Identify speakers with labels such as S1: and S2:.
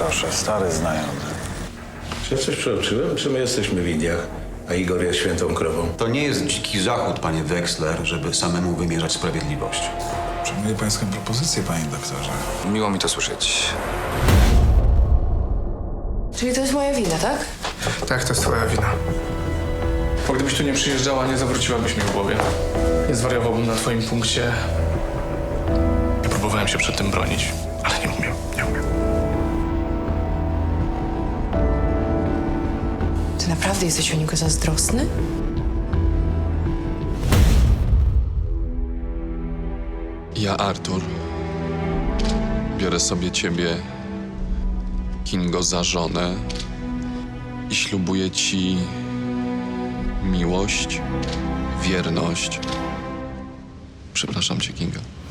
S1: proszę, stary znajomy.
S2: Czy ja coś przeoczyłem, czy my jesteśmy w Indiach, a Igor jest świętą krową?
S3: To nie jest dziki zachód, panie Wexler, żeby samemu wymierzać sprawiedliwość.
S1: Przyjmuję pańską propozycję, panie doktorze.
S4: Miło mi to słyszeć.
S5: Czyli to jest moja wina, tak?
S6: Tak, to jest twoja wina. Bo gdybyś tu nie przyjeżdżała, nie zawróciłabyś mi w głowie. Nie zwariowałbym na twoim punkcie. Ja próbowałem się przed tym bronić, ale nie umiem.
S5: Ty naprawdę jesteś o niego zazdrosny?
S7: Ja, Artur, biorę sobie ciebie, Kingo, za żonę i ślubuję ci miłość, wierność. Przepraszam cię, Kinga.